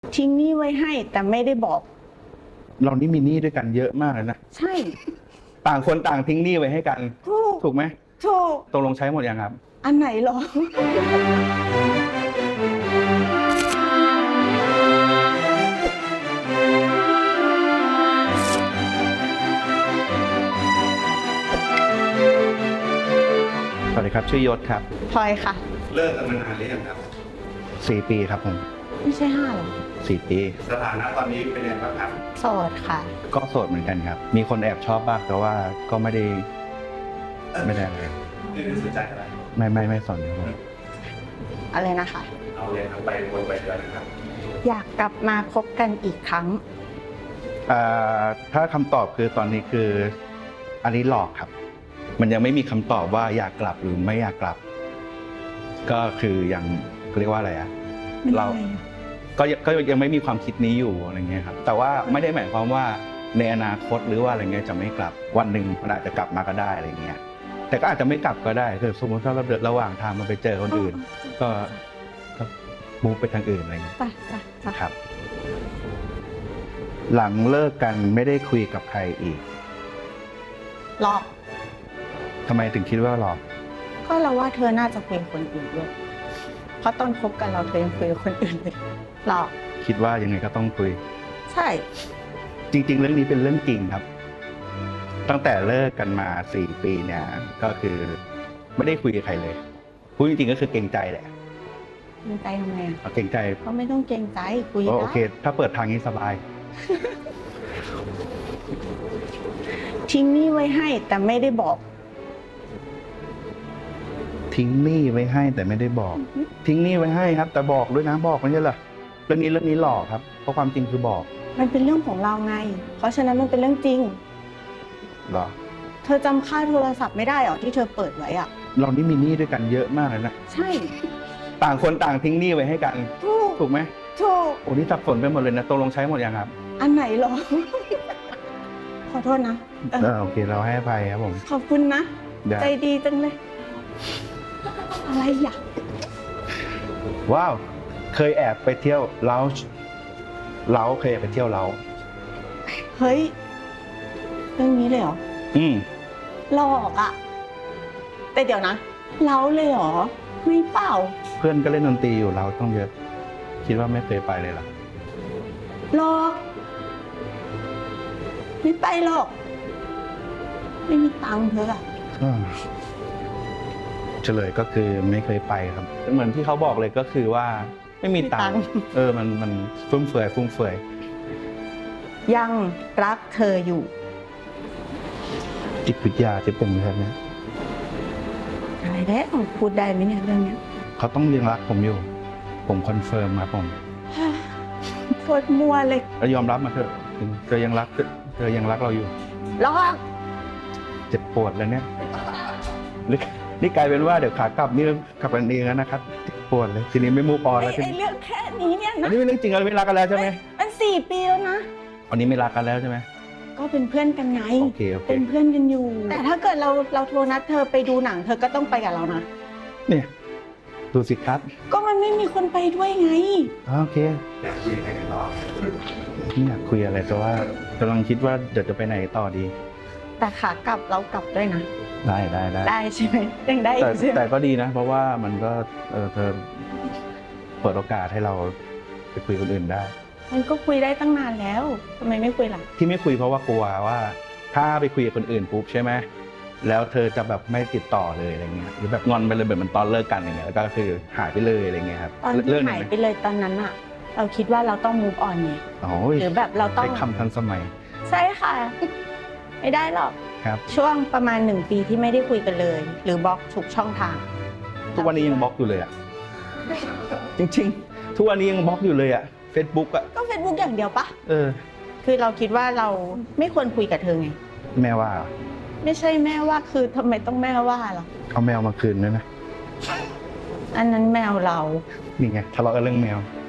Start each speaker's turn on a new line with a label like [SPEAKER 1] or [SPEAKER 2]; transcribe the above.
[SPEAKER 1] ทิ้งหนี้ไว้ให้แต่ไม่ได้บอก
[SPEAKER 2] เรานี่มีหนี้ด้วยกันเยอะมากเลยนะ
[SPEAKER 1] ใช่
[SPEAKER 2] ต่างคนต่างทิ้งหนี้ไว้ให้กันถูกไหม
[SPEAKER 1] ถูก
[SPEAKER 2] ตกลงใช้หมดยังครับ
[SPEAKER 1] อันไหนหรอ
[SPEAKER 2] สวัสดีครับชื่อยศครับ
[SPEAKER 1] พลอยค่ะ
[SPEAKER 2] เลิกกันมานานหรือยังครับ4 ปีครับผม
[SPEAKER 1] ไม่ใช่5หรอ
[SPEAKER 2] 4 ปีสถานะตอนนี้เป็นยังไงบ้างครับ
[SPEAKER 1] โสดค่ะ
[SPEAKER 2] ก็โสดเหมือนกันครับมีคนแอบชอบบ้างแต่ว่าก็ไม่ได้อะไรไม่ได้สนใจอะไรไม่สนครับ
[SPEAKER 1] อะไรนะคะ
[SPEAKER 2] เอาเลยทั้งไปวนไปเดือนนะครับ
[SPEAKER 1] อยากกลับมาคบกันอีกครั้ง
[SPEAKER 2] ถ้าคำตอบคือตอนนี้คืออันนี้หลอกครับมันยังไม่มีคำตอบว่าอยากกลับหรือไม่อยากกลับก็คือยังเรียกว่าอะไรเราก็ยังไม่มีความคิดนี้อยู่อะไรเงี้ยครับแต่ว่าไม่ได้หมายความว่าในอนาคตหรือว่าอะไรเงี้ยจะไม่กลับวันหนึ่งมันอาจจะกลับมาก็ได้อะไรเงี้ยแต่ก็อาจจะไม่กลับก็ได้คือสมมติถ้าเราเดินระหว่างทางมันไปเจอคนอื่นก็มูฟไปทางอื่นอะไรเงี้ยครับหลังเลิกกันไม่ได้คุยกับใครอีก
[SPEAKER 1] หลอก
[SPEAKER 2] ทำไมถึงคิดว่าหลอก
[SPEAKER 1] ก็เราว่าเธอน่าจะคุยกับคนอื่นด้วยเพราะตอนคบกันเราเธอยังคุยกับคนอื่นเลยหลอก
[SPEAKER 2] คิดว่ายังไงก็ต้องคุย
[SPEAKER 1] ใช่
[SPEAKER 2] จริงๆเรื่องนี้เป็นเรื่องจริงครับตั้งแต่เลิกกันมา4 ปีเนี่ยก็คือไม่ได้คุยกับใครเลยพูดจริงๆก็คือเกรงใจแหละ
[SPEAKER 1] เกรงใจทำไม
[SPEAKER 2] เกรงใจ
[SPEAKER 1] ก็ไม่ต้องเกรงใจคุยได้
[SPEAKER 2] โอเคถ้าเปิดทางนี้สบาย
[SPEAKER 1] ทิ้งหนี้ไว้ให้แต่ไม่ได้บอก
[SPEAKER 2] ทิ้งหนี้ไว้ให้แต่ไม่ได้บอกทิ้งหนี้ไว้ให้ครับแต่บอกด้วยนะบอกไม่ใช่เหรอเรื่องนี้หลอกครับเพราะความจริงคือบอก
[SPEAKER 1] มันเป็นเรื่องของเราไงเพราะฉะนั้นมันเป็นเรื่องจริง
[SPEAKER 2] หรอ
[SPEAKER 1] เธอจำค่าโทรศัพท์ไม่ได้หรอที่เธอเปิดไว้อะ
[SPEAKER 2] เรานี่มีหนี้ด้วยกันเยอะมากเลยนะ
[SPEAKER 1] ใช่
[SPEAKER 2] ต่างคนต่างทิ้งหนี้ไว้ให้กันถูกไหม
[SPEAKER 1] ถูก
[SPEAKER 2] โอ้นี่สับสนไปหมดเลยนะตกลงใช้หมดยังครับ
[SPEAKER 1] อันไหนหรอขอโทษนะ
[SPEAKER 2] โอเคเราให้อภัยครับผม
[SPEAKER 1] ขอบคุณนะใจดีจังเลยอะไรอ่ะ
[SPEAKER 2] ว้าวเคยแอบไปเที่ยวเล้าเคยไปเที่ยวเล้า
[SPEAKER 1] เฮ้ยเรื่องนี้เลยเหรอหลอกอ่ะแต่เดี๋ยวนะเล้าเลยเหรอไม่เปล่า
[SPEAKER 2] เพื่อนก็เล่นดนตรีอยู่เราต้องเยอะคิดว่าไม่เคยไปเลยหรอ
[SPEAKER 1] หลอกไม่ไปหรอกไม่มีตังค์เธออะ
[SPEAKER 2] เฉลยก็คือไม่เคยไปครับเหมือนที่เขาบอกเลยก็คือว่าไม่มีตังค์มันฟุ่มเฟือย
[SPEAKER 1] ยังรักเธออยู่
[SPEAKER 2] จิตวิทยาจะเป็นแบบนี้
[SPEAKER 1] อะไรได้พูดได้ไหมเนี่ยเรื่องนี้
[SPEAKER 2] เขาต้องยังรักผมอยู่ผมคอนเฟิร์มครับผม
[SPEAKER 1] โคตรมัวเลย
[SPEAKER 2] ยอมรับมาเถอะเธอยังรักเราอยู่
[SPEAKER 1] หลอก
[SPEAKER 2] เจ็บปวดเลยเนี่ยนี่กลายเป็นว่าเดี๋ยวขากลับนี่กลับกันเองแล้วนะครับปวดเลยทีนี้ไม่มูฟออนแล้ว
[SPEAKER 1] ไอ้เรื่องแค่นี้เนี่ยนะ
[SPEAKER 2] อันนี้เป็นเรื่องจริงเราไม่รักกันแล้วใช่ไหม
[SPEAKER 1] มัน4 ปีแล้วนะ
[SPEAKER 2] อันนี้ไม่รักกันแล้วใช่ไหม
[SPEAKER 1] ก็เป็นเพื่อนกันไง
[SPEAKER 2] โอเค
[SPEAKER 1] เป็นเพื่อนกันอยู่แต่ถ้าเกิดเราโทรนัดเธอไปดูหนังเธอก็ต้องไปกับเรานะ
[SPEAKER 2] เนี่ยดูสิครับ
[SPEAKER 1] ก็มันไม่มีคนไปด้วยไง
[SPEAKER 2] โอเคอยากคุยอะไรกันต่อไม่อยากคุยอะไรแต่ว่ากำลังคิดว่าเดี๋ยวจะไปไหนต่อดี
[SPEAKER 1] แต่ขากลับเรากลับด้วยนะ
[SPEAKER 2] ได้
[SPEAKER 1] ใช่ไหมยังได้
[SPEAKER 2] แต่ก็ดีนะเพราะว่ามันก็เธอเปิดโอกาสให้เราไปคุยคนอื่นได้
[SPEAKER 1] มันก็คุยได้ตั้งนานแล้วทำไมไม่คุยล่ะ
[SPEAKER 2] ที่ไม่คุยเพราะว่ากลัวว่าถ้าไปคุยกับคนอื่นปุ๊บใช่ไหมแล้วเธอจะแบบไม่ติดต่อเลยอะไรเงี้ยหรือแบบงอนไปเลยแบบมันตอนเลิกกันอย่างเงี้ยแล้วก็คือหายไปเลยอะไรเงี้ยครับ
[SPEAKER 1] ตอนที่หายไปเลยตอนนั้นอะเราคิดว่าเราต้อง move on ไงหรือแบบเราต้อง
[SPEAKER 2] ใช้คำทันสมัย
[SPEAKER 1] ใช่ค่ะไม่ได้หรอก
[SPEAKER 2] ครับ
[SPEAKER 1] ช่วงประมาณ1 ปีที่ไม่ได้คุยกันเลยหรือบล็อกทุกช่องทาง
[SPEAKER 2] ทุกวันนี้ยังบล็อกอยู่เลยอ่ะจริงๆทุกวันนี้ยังบล็อกอยู่เลยอ่ะ Facebook อ่ะ
[SPEAKER 1] ก็ Facebook อย่างเดียวปะคือเราคิดว่าเราไม่ควรคุยกับเธอไง
[SPEAKER 2] แม่ว่า
[SPEAKER 1] ไม่ใช่แม่ว่าคือทำไมต้องแม่ว่าล่ะ
[SPEAKER 2] เอาแมวมาคืนด้วยนะ
[SPEAKER 1] อันนั้นแมวเรา
[SPEAKER 2] นี่ไงทะเลาะกันเรื่องแมว